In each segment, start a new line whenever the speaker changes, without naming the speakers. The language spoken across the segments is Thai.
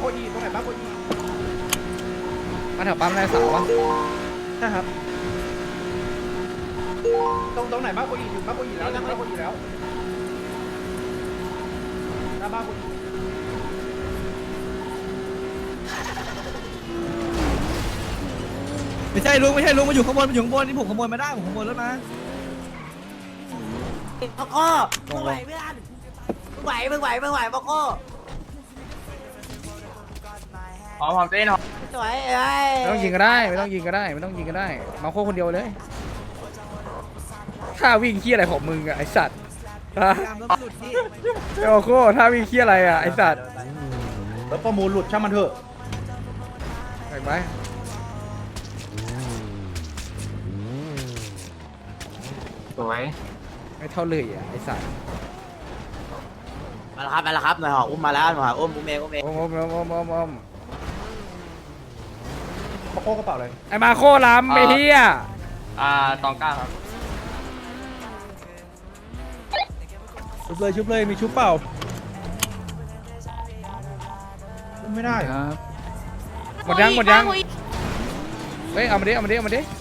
อีตรงไหนบ้านโกอี
มาแถวปั๊มนายสาววะ
ใช่ครับตรงไหนบ้านโกอีอยู่บ้านโกอีแล้วบ้านโกอีแล้วหน้าบ้านโกอี
ไม่ใช่ลุงมาอยู่ข้างบนนี่ผมขโมยมาได้ผมขโมยรถมา
พ่อโก้มึงไหวเพื่อนมึงไหวพ่อโก้
หอมเต้นหอม
สวยเอ้ย
ไม่ต้องยิงก็ได้ไม่ต้องยิงก็ได้ไม่ต้องยิงก็ได้มาโค้คนเดียวเลยท่าวิ่งเคี้ยอะไรของมึงอะไอสัตว์ฮะ
ยามรถหลุดนี่
ไอโอโค้ท่าวิ่งเคี้ยอะไรอะไอสัตว์
แล้วประมูลหลุดช่างมันเถอะ
เห็นไหม
สวย
ไม่เท่าเลยอะไอสัตว์
มาแล้วครับหน่อยหออุ้มมาแล้วหน่อยหออุ้มเอง
โอ้โห
มาโค้กระเป๋าเลย
ไอมาโค้ล้ำไอเฮีย
ตองก้าครับ
ชุบเลยมีชุบเปล่า
ไม่ได้
หมดยังเฮ้ยเอามาดิระวัง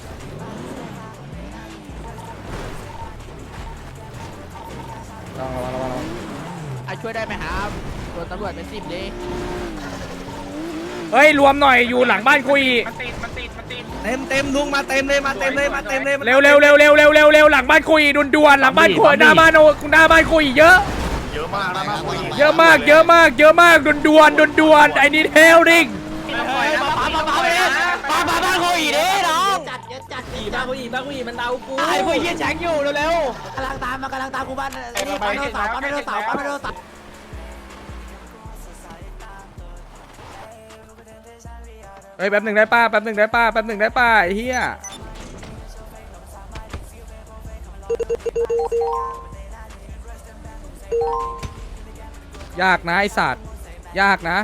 ช่วยได้ไหมครับโดนตำรวจเป็น10เลย
เฮ้ยรวมหน่อยอยู่หลังบ้านกูอีก
เต็มลุงมาเต็มเลย
เร็วหลังบ้านกูอีด่วนหลังบ้านกูหน้าบ้านกูอีเยอะเยอะมากด่วนไอ้นี่เทลดิง
บ้านโคอีเด้น้องจัดบ้านโคอีมันเอากูไอ้พวกเหี้ยแฉงอยู่เร็วๆกำลังตามกูบ้านไอ้นี่ปั๊มไดโนเสาร์
เฮ้ยแป๊บหนึ่งได้ป้าไอ้เหี้ยยากนะไอสัตว์ยากนะ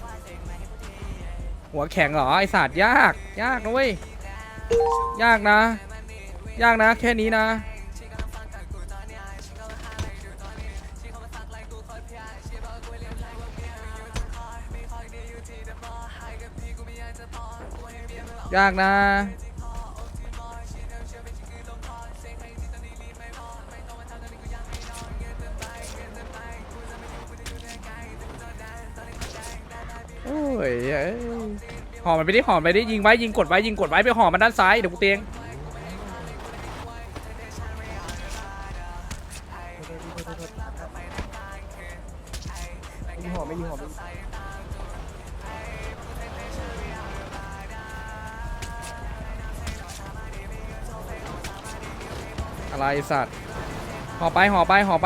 หัวแข็งเหรอไอสัตว์ยากนะเว้ยยากนะแค่นี้นะยากนะโอ้ยห่อมันไปดิยิงไว้ยิงกดไว้ไปห่อมันด้านซ้ายเดี๋ยวกูเตียงอะไรสัตว์ห่อไปมาห่อ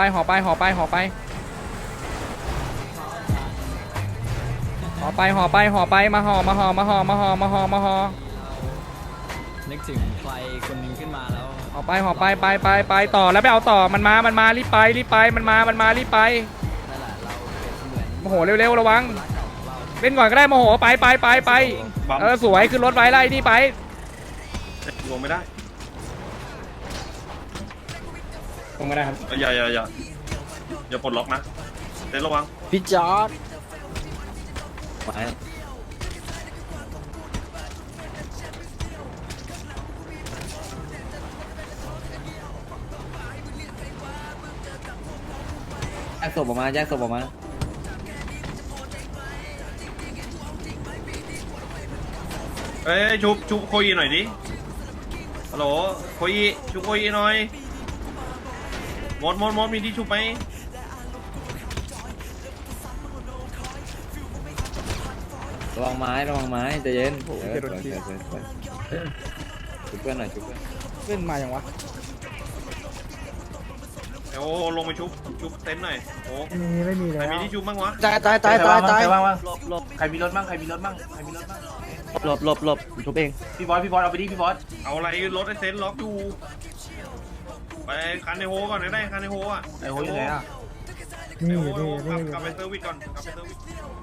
นึกถึงใครคนหนึงขึ้นมาแล้ว
ห่อไปต่อแล้วไปเอาต่อมันมารีบไปมันมารีบไป
นั่นแหละเราเปรียบเสมือน
โมโหเร็วระวังเล่นก่อนก็ได้โมโหไปสวยขึ้นรถไว้ไล่นี่ไป
ลงไม่ได้
ครับ
อย่าปลดล็อกนะเต้นระวัง
พี่จอร์ดไปแยกศพออกมา
เอ้ยชุบโคยีหน่อยดิฮัลโหลโคยีชุบโคยีหน่อยมดมีที่ชุบไหม
ระวังไม้ใจเย็นชุบเพื่อนหน่อย
เล่นมาอย่างวะ
โอ้ลงไปชุบเต็นท์หน่อยโอ้
ไม่มี
ใค
แล้
ร
ว
มีที่ชุบบ้างวะ
ตาย
ใครมีรถบ้าง
หลบชุบเอง
พี่บอสเอาไปดิพี่บอส
เอาอะไรรถไอเซนล็อกอยู่ไปคันในโฮก่อนได้คันในโฮอ่ะ
ไอ้โหอยู่ไหนอ่ะ
กลับไปเซอร์วิสก่อนกลับไปเซอร์วิส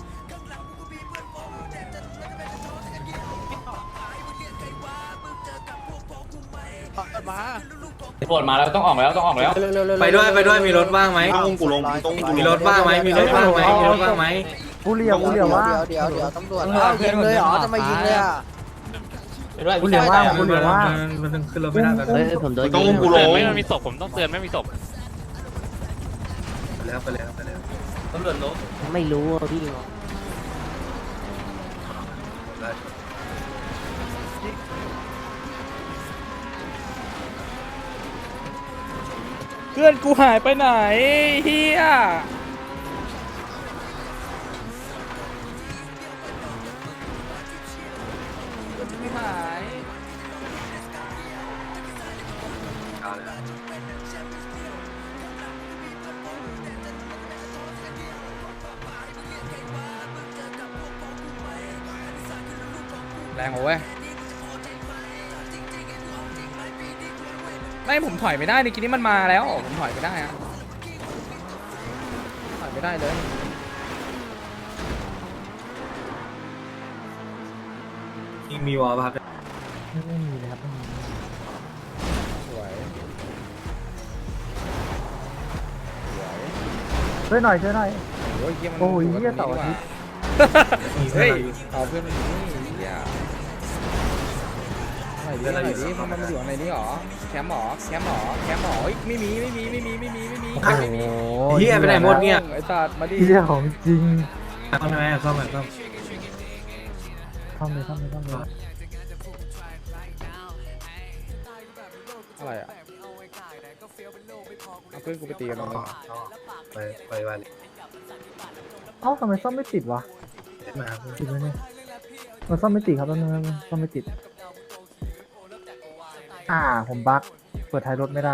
ตำรวจมาแล้วต้องออกแล้ว
ไปด้วยมีรถว่างไหม
ต้องกูลง
มีรถว่างไหม
กูเหลี่ยมว่า
เดี๋ยวตำรวจยิงเลยเหรอจะมายิงเลยอ่ะ
กูเหลี่ยมว่า
มันขึ้นรถไม่ได้แล้ว
เฮ้ยผมโดน
ต้อง
ยิง
กูลง
ไม่มีศพผมต้องเตือนไม่มีศพ
ไปแล้ว
ตำรวจลง
ไม่รู้อ่ะพี่
เพื่อนกูหายไปไหนเฮียไม่หายแรงโอ้ยไม่ผมถอยไม่ได้ในกินนี้มันมาแล้วผมถอยไม่ได้อะถอยไม่ได้เลย
ยิงมีวอลป่ะครับ
ไม่มีเลยครับไม่มี
สวย
ช่วยหน่อย
โอ้ยเยี่ยมัน
โอ้ย
กับ
เหี้ย
ตรงนี้
เสาร์อาทิตย์
ดีกว่าเฮ้ยเอาเพื่อนมาอยู่นี่เฮียไหนดิมันมาอยู่ในนี้หรอแคมป์หรอเฮ้ยไม่มี
โอ้
เฮียไปไหนหมดเนี่ย
ไอ้สัตว์มาดิ
เหี้ยของจริง
ซ่อมไหมซ่อม
ซ่อมเลย
อะไรอ่ะเอาเพื่อนกูไปตีกันตรงนี้
ไปวันเลย
เอ้าทำไมซ่อมไม่ติดวะ
มา
ติดไหมเนี่ยมันซ่อมไม่ติดครับตอนนึงซ่อมไม่ติดผมบั๊กเปิดท้ายรถไม่ได้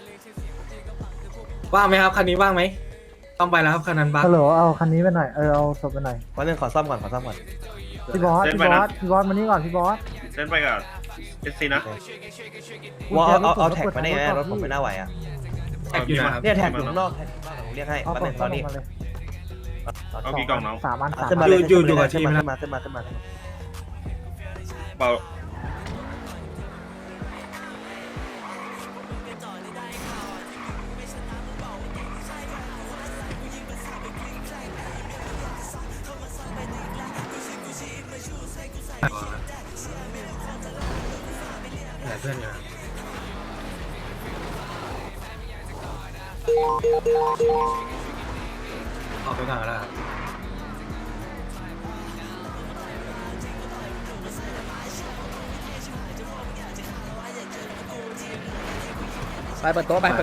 ว่างไหมครับคันนี้ว่างไหมต้องไปแล้วครับคันนั้นบัส
ฮัลโหลเอาคันนี้ไปหน่อยเอาศพไปหน่อย
วันนึงขอซ่อมก่อน
พี่บอสมานี่ก่อนพี่บอส
เส้นไปกับเอสซีนะ
ว่าเอาแท็กมาได้ไงรถผมไม่น่าไหวอ่ะ
แท็กอยู่นะครับ
เนี่ยแท็กอยู่ข้างนอกแท็กข้างนอกผมเรียกให้
เอา
วันนึงตอนนี้
มาเลย
เอากี่กล่องน้อง
3 อัน
ขึ้นมาเลยขึ้นมา
เบา
ไหนเพื่อนอยู่นะออกไปก่อนแล้วครับ
ไปเปิดโต๊ะไป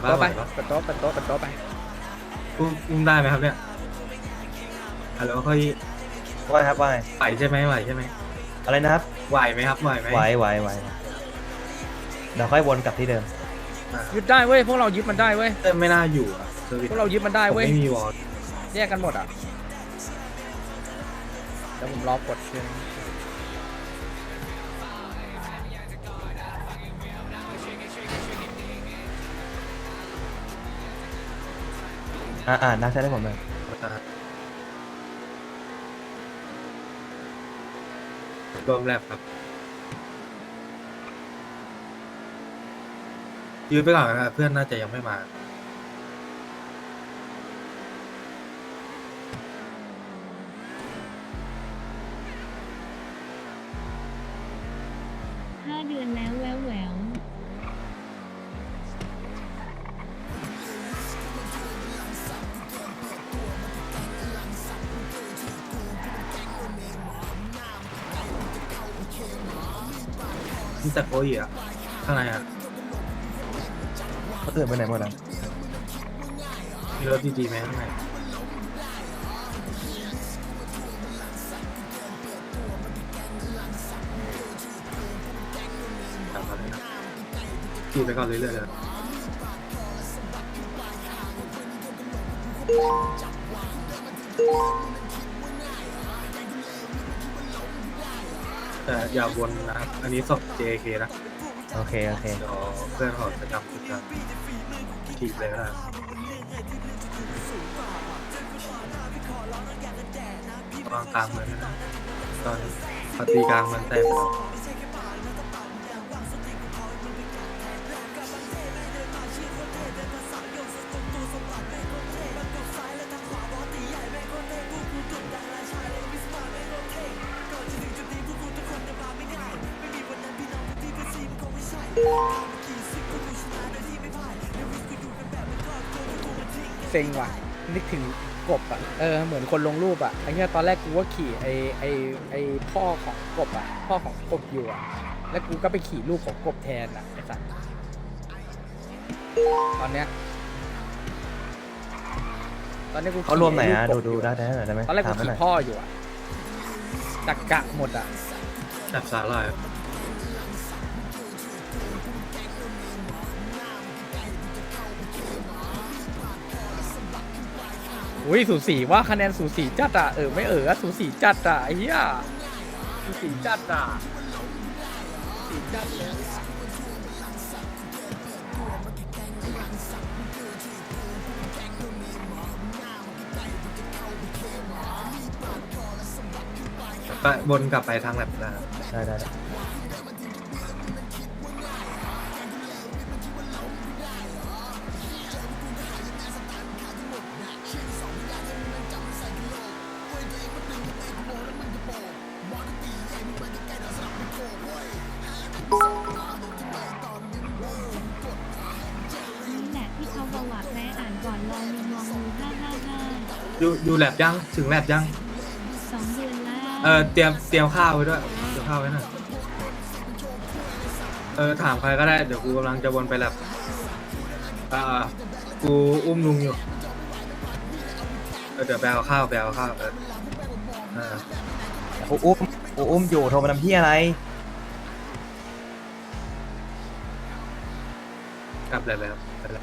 อุ้มได้ไหมครับเนี่ยฮัลโหลค่อย
ว่าครับว่าไง
ไหวใช่ไหม
อะไรนะครับ
ไหวไหมครับไหวไหม
ไหวเดี๋ยวค่อยวนกลับที่เดิม
ยึดได้เว้ยพวกเรายึดมันได้เว้ย
ไม่น่าอยู่อ่ะเซอร์วิส
พวกเรายึดมันได้
ผม
เว้ย
ไม่มีวอล
แยกกันหมดอ่ะเดี๋ยวผมรอกดเพียง
นักใช้ได้ผมเลย
รวมแลบครับยืนไปก่อนนะครับเพื่อนน่าจะยังไม่มา
5 เดือนแล้วแวว
นี่แต่โกยอ่ะข้างในอ่ะ
เขาตื่นไปไหนหมดแล้ว
มีรถดีๆไหมข้างในขี่ไปก่อนเรื่อยๆเลยแต่อย่าวนนะครับอันนี้ศพ JK นะ
โอเค
เดี๋ยวเพื่อนเขาจะจำจุดกันถีบเลยก็ได้วางกลางเมืองนะตอนปฏิกลางเมืองแตกไปแล้ว
เซ็งว่ะนึกถึงกบอ่ะเหมือนคนลงรูปอ่ะไอ้เหี้ยตอนแรกกูว่าขี่ไอ้พ่อของกบอ่ะพ่อของกบอยู่อ่ะแล้วกูก็ไปขี่รูปของกบแทนอ่ะไอ้สัสตอนเนี้ยกู
เขารวมไหน
ขี่
อ่ะ
รูปกบ
ดู
ยู่
ได้ไหม
ตอนแรกกู
ถามมาห
ขี่
น่อย
พ่ออยู่อ่ะตักกะหมดอ่ะ
จับสาหร่าย
อุ้ยสูสีว่าคะแนนสูสีจัดอ่ะไม่สูสีจัดอ่ะไอ้เหี้ยสูสีจัดอ่ะสูสีจัดเลย
ไปวนกลับไปทางแลบนะ
ได้
นี่แหละที่เขาบอกว่าแม่อ่านก่อนลองมองงู555
อยู่แลบยังถึงแลบยัง
2 เดือนแล้ว
เตรียมข้าวไว้ด้วยเตรียมข้าวไว้หน่อยถามใครก็ได้เดี๋ยวกูกำลังจะวนไปแลบกูอุ้มลุงอยู่เดี๋ยวไปเอาข้าว
กูอุ้มอยู่โทรมาทำพี่อะไร
กลับแลบแล้ว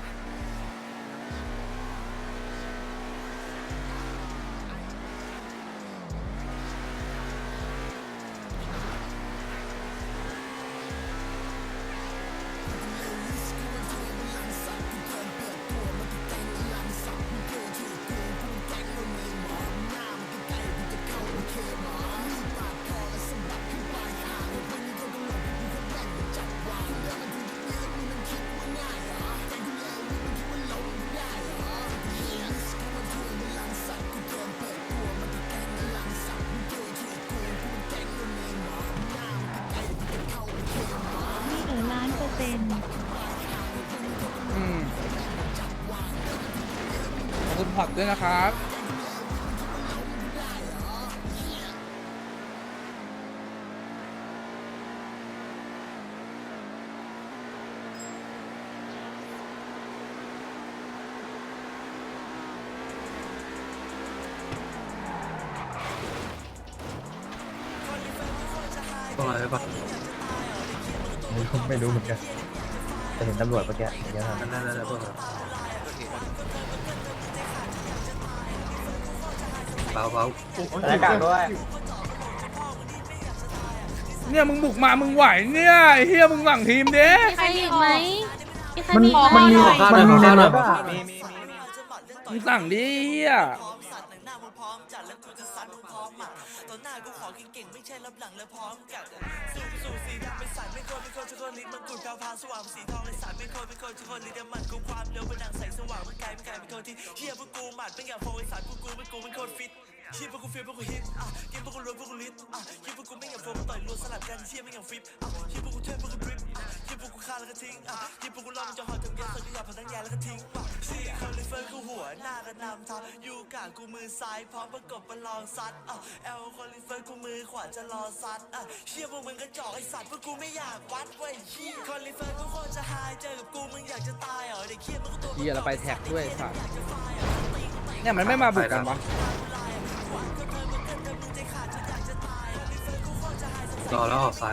นี่1,000,000%
ขอบคุณผักด้วยนะครับ
ต้องอะไรปะ
ไม่รู้เหมือนกันแต่เห็นตำรวจเมื่อกี้เยอะมาก
นั่นพวกเราเบา
อากาศด้วย
เนี่ยมึงบุกมามึงไหวเนี่ยไอ้เฮียมึงหวังทีมเด้
ใครอีกไหม
มันมีในรถอ่ะ
มึงสั่งดิเฮีย
ชีพวกกูเฟียพวกกูฮิตกินพวกกูรวยพวกกูลิตชีพวกกูไม่อยากโฟมต่อยรัวสลับกันเชี่ยไม่อยากฟิปชีพวกกูเทพพวกกูดริปชีพวกกูฆ่าแล้วก็ทิ้งชีพวกกูรอมันจะหอดถึงแย่สดที่อยากพันทั้งแย่แล้วก็ทิ้งชีคอนลิเฟอร์กูหัวหน้ากันนำทับยูกะกูมือซ้ายพร้อมประกบประลองซัดแอลคอนลิเฟอร์กูมือขวาจะรอซัดเชี่ยพวกมึงกระจอกไอสัตว์พวกกูไม่อยากวัดเว้ยชีคอนลิเฟอร์กูโคตรจะหายเจอกับกูมึงอยากจะตายเด็กเคี้ยมึงก็ตัว
เฮียเราไปแท็กด้วยสัตว์เนี่ยมันไม่มาบุกกันวะ
รอแล้วออกซ้าย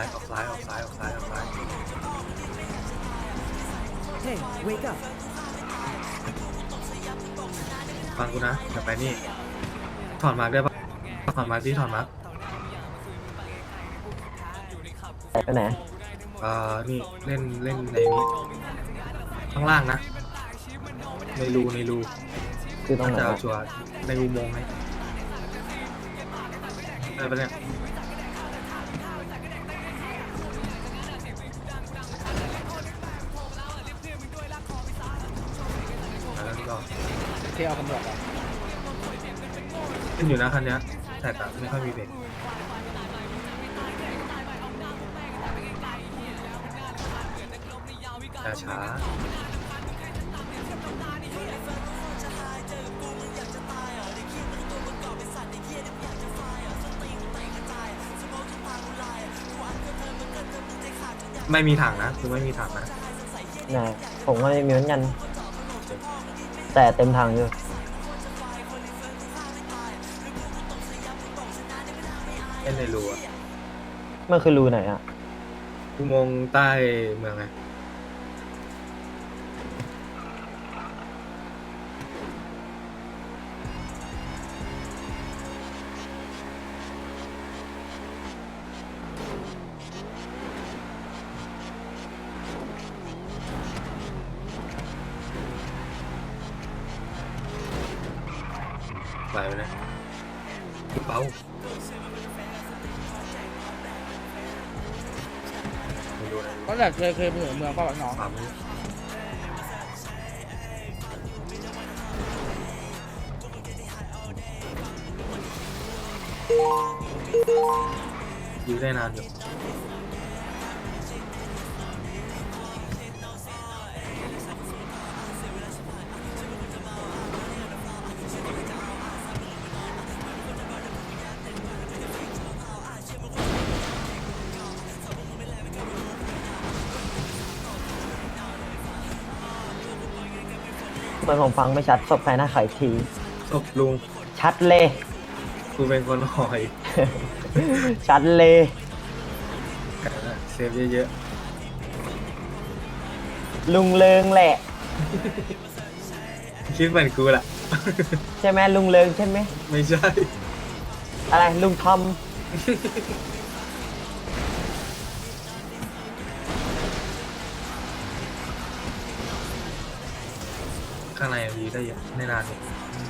ฟังกูนะเดี๋ยวไปนี่ถอนมาร์กได้ปะถอนมาร์กที่ถอนมาร์ก
ไปไหน
นี่เล่นในนี้ข้างล่างนะในรู
คือตรงไหน
จะเอาชัวร์ในอุโมงค์ไหมได้ปะเนี่ยแล้วก็
เที่ยวตำรวจอ่ะ
ขึ้นอยู่นะคันเนี้ยแต่ไม่ค่อยมีเบรกช้า ไม่มีถังนะคือไม่มีถังนะ
นะผมก็ไม่มีเหมือนกันแต่เต็มทางอยู่
เล่นในรูอะ
มันคือรูไหนอ่ะ
อุโมงค์ใต้เมืองไง ไปเลยเบาไม่รู้นะ
ก็แบบเคยไปถึงเมืองป้าบักน้อง
ความรู้ยื้อได้นานอยู่
เหมือนผมฟังไม่ชัดศพใครหน้าไขที
ศพลุง
ชัดเลย
กูเป็นคนหอย
ชัดเลย
เซฟเยอะ
ลุงเลิงแหละ
ๆคิดเหมือนกูแหละ
ใช่ไหมลุงเลิงใช่ไหม
ไม่ใช่
อะไรลุงทอม
ข้างในมีได้เยอะไม่นานเนี่ย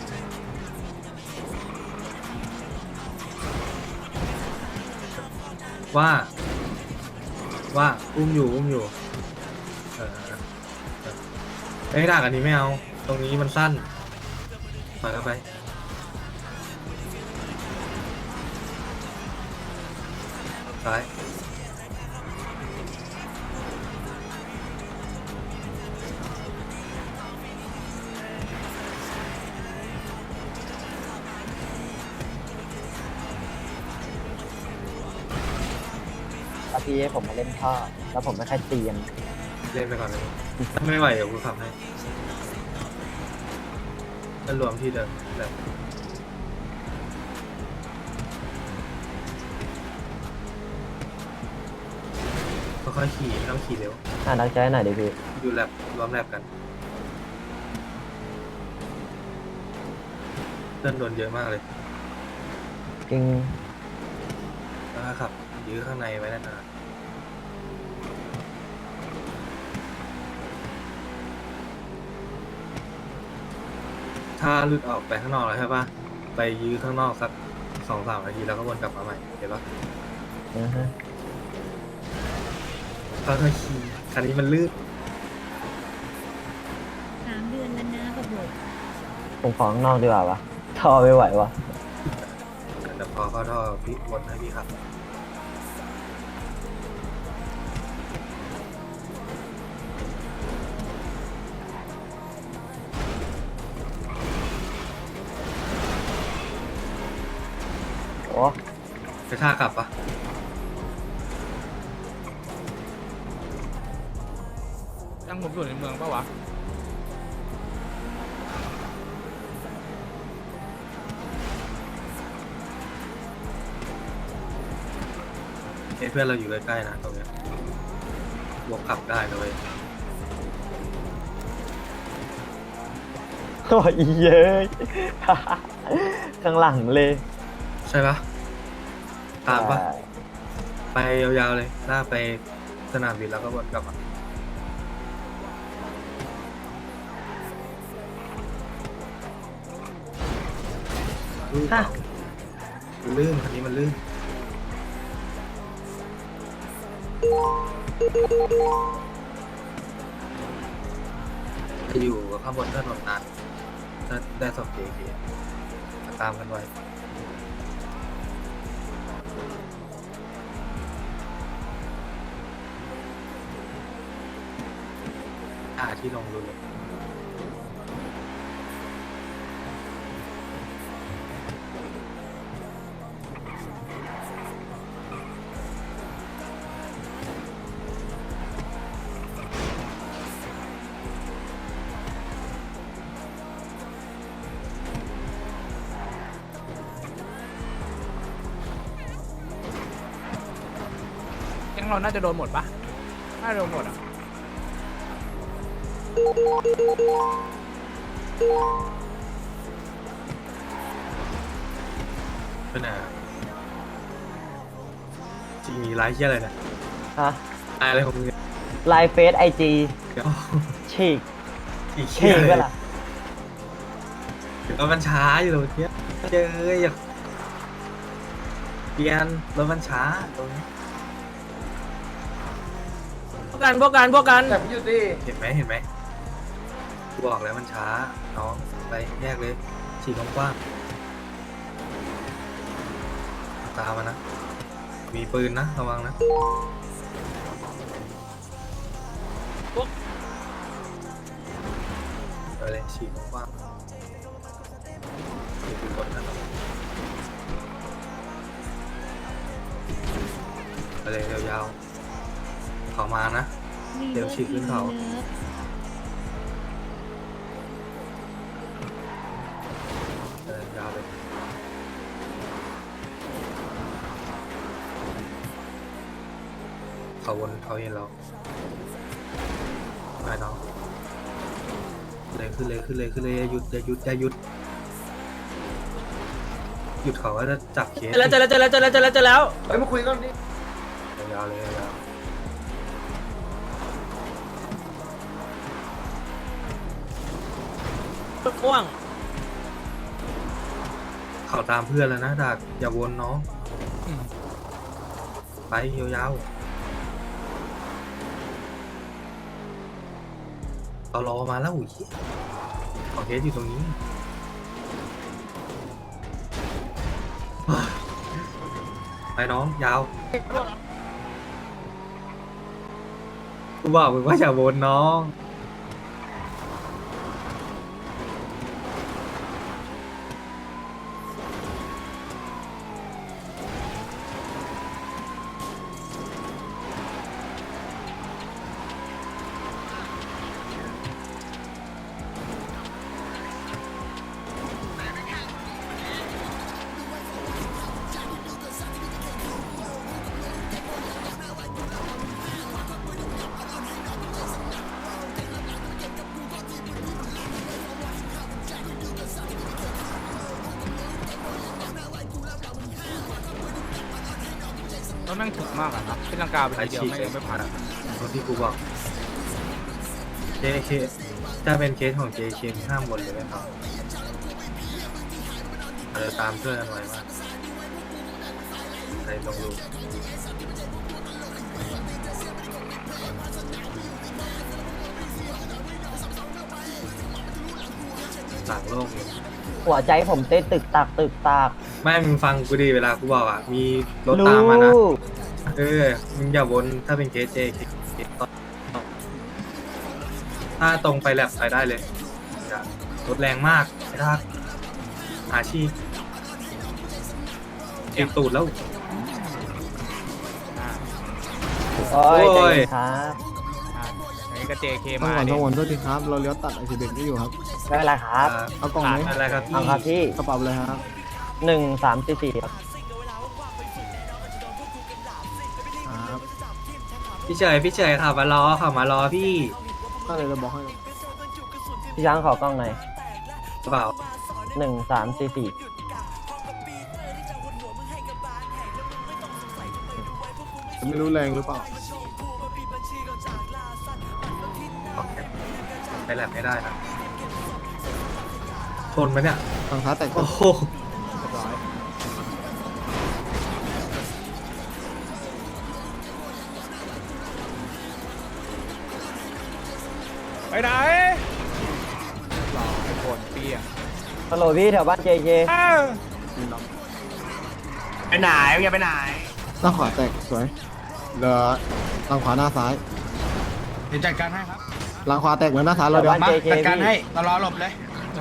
ว่าอุ้มอยู่ไอ้ด่ากันนี้ไม่เอา ตรงนี้มันสั้นปล่อยเข้าไปซ้าย
แล้วพี่ให้ผมมาเล่นท่อแล้วผมไม่ค่อยเตรียม
เล่นไปก่อนเลยถ้าไม่ไหวเดี๋ยวกูขับให้ก็รวมที่เดิมแบบค่อยๆขี่ไม่ต้องขี่เร็ว
นักใจหน่อยดิพี่
อยู่แลบรวมแลบกันเดินโดนเยอะมากเลย
จริง
แล้วก็ขับยื้อข้างในไว้นานๆถ้าหลุดออกไปข้างนอกแล้วใช่ปะไปยื้อข้างนอกสัก2-3 นาทีแล้วก็วนกลับมาใหม่เห็นปะ
นะฮะ
ค่อยๆขี่คันนี้มันลื่น
3 เดือนแล้วนะบบบ
ผมขอข้างนอกดีกว่าวะท่อไม่ไหววะ
แต่พอเข้าท่อพี่วนให้พี่ขับ
โอ้
ไปท่ากลับปะ
ยังผมอยู่ในเมืองปะวะ
เพื่อนเราอยู่ใกล้ๆนะตรงเนี้ยบวกขับได้นะเว้ย
โอ้ยเย้ย ข้างหลังเลย
ใช่ปะตามปะไปยาวๆเลยลากไปสนามบินแล้วก็วนกลับมาลื่นเปล่ามันลื่นคันนี้มันลื่นจะอยู่กับข้างบนถนนนานถ้าได้สอบเกียร์ตามกันไว้ที่ลงดูเลย
แก๊งเราน่าจะโดนหมดปะน่าจะโดนหมดอ่ะ
เป็นไงจริงมีไลฟ์เชี่ยอะไรเนี่ย
ฮะ
อะไรของมึงเนี่ย
ไลน์เฟซไอจี
เดี๋ยว
ฉีก
อีก
ฉี
เชี่ย
ก
เล
เว
ย
ลา
เดี๋ยวมันช้าอยู่ตรงเนี้ยเจออย่าเปลี่ยนรถมันช้าตรงนี้
พวกกัน
แต่พี่หยุดดิ
เห็นไหมกูบอกแล้วมันช้าน้องไปแยกเลยฉีกกว้างๆตามมานะมีปืนนะระวังนะไปเลยฉีกกว้างๆนี่คือกดนะไปเลยยาวๆเขามานะ เดี๋ยวฉีกขึ้นเขา ยาวเลยเขาวนเขาเห็นเราไปน้องเลยขึ้นเลยอย่าหยุดหยุดเขาก็จะจับเคส
เจอแล้ว
เฮ้ยมาคุยกันดิ
ยาวเลยยาว
ม่วง
เขาตามเพื่อนแล้วนะดักอย่าวนน้องไปยาวๆเรารอมาแล้วอุ้ยของเคสอยู่ตรงนี้ไปน้องยาวกูบอกมึงว่าอย่าวนน้อง
รถแม่งถึกมากอะครับเป็นลังกาไปทีเดียวไม่ผ่าน
รถที่กูบอก JK ถ้าเป็นเคสของ JK ห้ามวนเลยไหมครับเราตามเพื่อนกันไว้ว่าอะไรลงดูหลังโลกเลย
หัวใจผมเต้นตึกตาก
ไม่มึงฟังกูดีเวลากูบอกอ่ะ มีรถตามมานะ
รู้
มึงอย่าวนถ้าเป็นเคส JK ถ้าตรงไปแลบไปได้เลยอย่ารถแรงมากไอ้ท่าอาชีพเอกตูดแล้ว
โอ้ย
โอ้ย
ใจเย็นครับ
อันนี้ก็ JK
ต้อ
มาง
ก่อน
ดิ
ต้องวนด้วยทีครับ เราเลี้ยวตัดไอซีเบกนี่อยู่ครับ
ไม่เป็นไรครับ
เอากล่องไหม
อะไรครับพี่
เอาครับพี่
กระเป๋าเลยครับ
1344ครับ
ครับ
พี่เฉยขับมารอพี่
ก็เลยจะบอกให้
พี่ช้างขอกล้องหน่อย
กระเป๋า
1344
จะไม่รู้แรงหรือเปล่า
ไปแลบไม่ได้นะทนไหมเนี่ย
ฝั่งซ้ายแตก
โอ้โห
ไปไหน
ไอ้คนเปี้ย
ฮัลโหลพี่แถวบ้าน JK
ไปไหนมึงจะไปไหน
หน้าขวาแตกสวยเหลือทางขวาหน้าซ้าย
เดี๋ยวจัดการให้ครับ
หลังขวาแตกเหมือนหน้าฐานเราเดียว
บ้าน JK
จัดการให้
พี่
ตลอดหลบเลย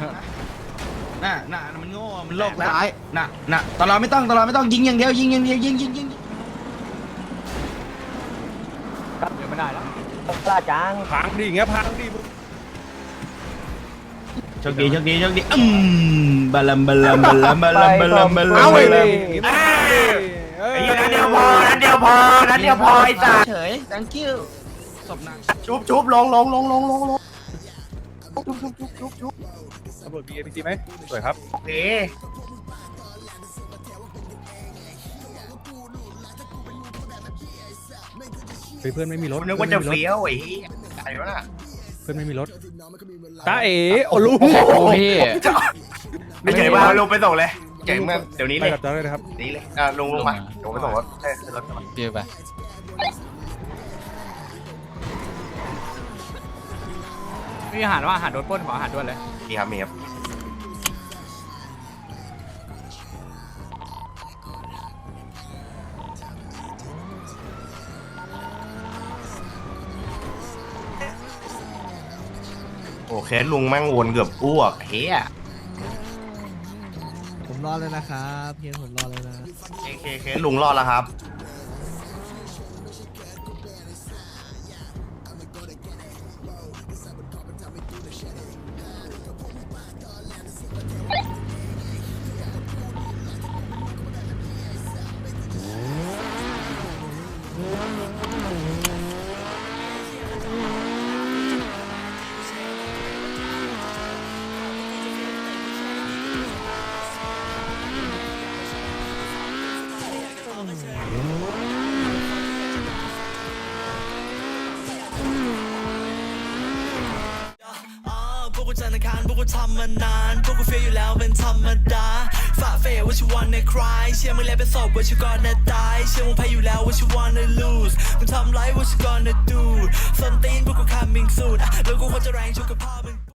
น่ะมันโง่มันโลกแล้ว
ซ้าย
น่ะตลอดไม่ต้องยิงอย่างเดียวยิง
เดี๋ยวไม่ได้แล้ว
กล้าจัง
พังดิอย่างเงี้ยพังดิ
โชคดีบัลลัม
เอาไปเลย
ไอ้นั่นเดียวพอไอ้ตาเฉย thank you ศพนางชุบลง
ตำรวจมี APC ไหมสวยครับ
โอเค
เพื่อนไม่มีรถ
นึกว่าจะเฟี้ยวไอ้เหี้ยใครวะน่ะ
เพื่อนไม่มีรถตาเอ๋โอ้ลุง
โอ้พี่
ไม่เฉยว่าลงไปส่งเลยเจ๋งมากเดี๋ยวนี้
ไป
เลย
กับจ้าเลยนะครับ
นี่เลยลงมาลงไปส่งรถขึ้นรถมา
เดี๋ยวไปมีอาหารว่าอาหารโดนปล้นขออาหารด้วยเลย
มีครับโอเคลุงแม่งวนเกือบอ้วกเฮีย
ผมรอเลยนะครับเพียงผมรอเลยนะ
เคลุงรอดแล้วครับ
พวกกูจันทร์อังคารพวกกูทำมานานพวกกูเฟียอยู่แล้วเป็นธรรมดาฝ่าเฟยว่าชิวันในคลายเชื่อมึงแล้วเป็นศพว่าชิวก่อนนะตายเชื่อมึงแพ้อยู่แล้วว่าชิวันใน lose มึงทำไรว่าชิ gonna do ส้นตีนพวกกู coming soon แล้วกูควรจะแรงชุกกับพ่อมึง